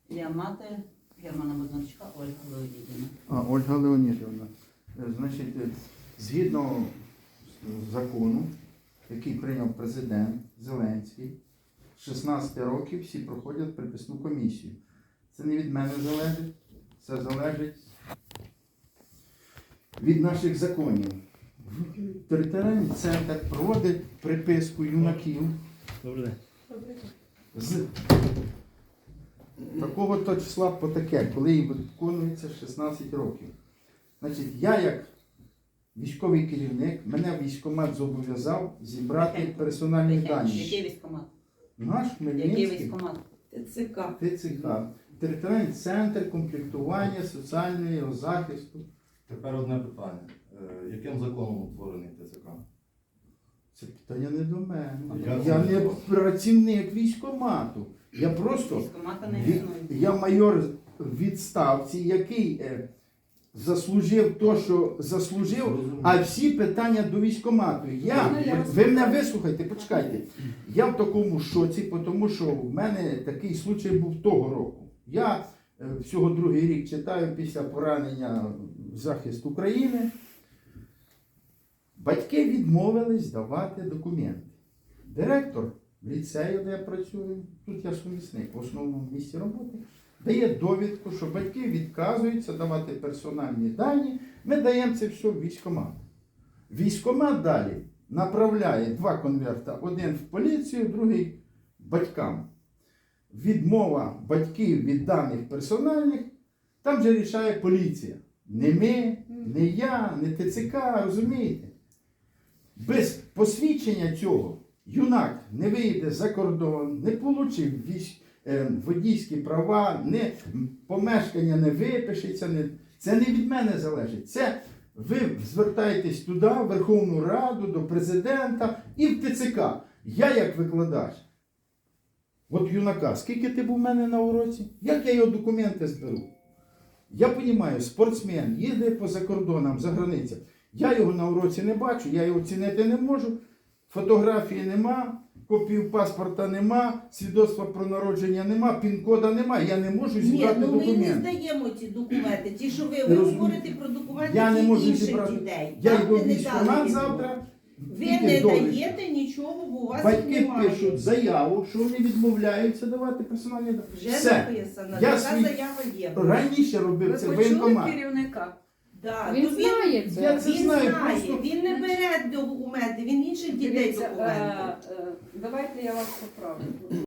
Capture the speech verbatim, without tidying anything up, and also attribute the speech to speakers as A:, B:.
A: Я мати Германа Боднарчука Ольга Леонідівна.
B: А, Ольга Леонідівна. Е, Значить, е, згідно з- закону, який прийняв президент Зеленський, з шістнадцяти років всі проходять приписну комісію. Це не від мене залежить, це залежить від наших законів. Територіальний центр проводить приписку юнаків
C: Добрий день.
B: з такого то числа по таке, коли їм виконується шістнадцять років. Значить, я як військовий керівник, мене військкомат зобов'язав зібрати
A: Тихенько.
B: персональні
A: Який
B: дані.
A: військкомат?
B: Наш
A: Який
B: Хмельницький
A: військкомат?
D: ТЦК.
B: ТЦК, територіальний центр комплектування соціального захисту.
C: Тепер одне питання. Е, Яким законом утворений ТЦК?
B: Це питання не до мене.
C: Я
B: Я
C: це
B: не
C: не
B: працівник військкомату. Я просто
A: Військкомата не
B: Від-
A: існує.
B: я майор в відставці, який е, заслужив то, що заслужив,
C: Зрозуміло.
B: а всі питання до військкомату. Я,
D: Можна я вас
B: ви мене
D: питаю?
B: вислухайте, почекайте. Я в такому шоці, тому що в мене такий случай був того року. Я е, всього другий рік читаю після поранення в захист України. Батьки відмовились давати документи. Директор ліцею, де я працюю, тут я сумісник в основному місці роботи, дає довідку, що батьки відказуються давати персональні дані, ми даємо це все в військкомат. Військкомат далі направляє два конверта, один в поліцію, другий батькам. Відмова батьків від даних персональних, там же рішає поліція. Не ми, не я, не ТЦК, розумієте? Без посвідчення цього юнак не вийде за кордон, не отримав військ, е, водійські права, не, помешкання не випишеться. Не, це не від мене залежить. Це ви звертаєтесь туди, в Верховну Раду, до президента і в ТЦК. Я як викладач. От юнака, скільки ти був у мене на уроці? Як я його документи зберу? Я розумію, спортсмен їздить по закордонам, за границям. Я його на уроці не бачу, я його оцінити не можу. Фотографії нема, копію паспорта нема, свідоцтва про народження нема, пін-кода нема. Я не можу
D: Ні,
B: зібрати
D: ну ми не
B: документи.
D: здаємо ці документи. Ті, що ви,
B: Ти
D: ви
B: розумієш?
D: говорите про документи
B: Я не
D: ті
B: можу
D: інших
B: зібрати.
D: дітей.
B: Я
D: Там
B: йду в
D: ви не
B: військкомат
D: дали
B: завтра.
D: Ви
B: тільки
D: не
B: довідку.
D: даєте нічого, бо у вас їх
B: Батьки
D: немає.
B: пишуть заяву, що вони відмовляються давати персональні дані.
D: Вже
B: Все.
D: написано,
B: Я
D: така
B: свій-
D: заява є.
B: Раніше робив
E: Ви
B: це
E: почули
B: воєнкомат.
E: керівника?
D: Да,
E: Він
D: то
E: знає це.
B: Я це
D: Він
B: знаю,
D: знає,
B: просто-
D: він не бере документи, він інших дітей
E: Дивіться,
D: документи.
E: е, е, давайте я вас поправлю.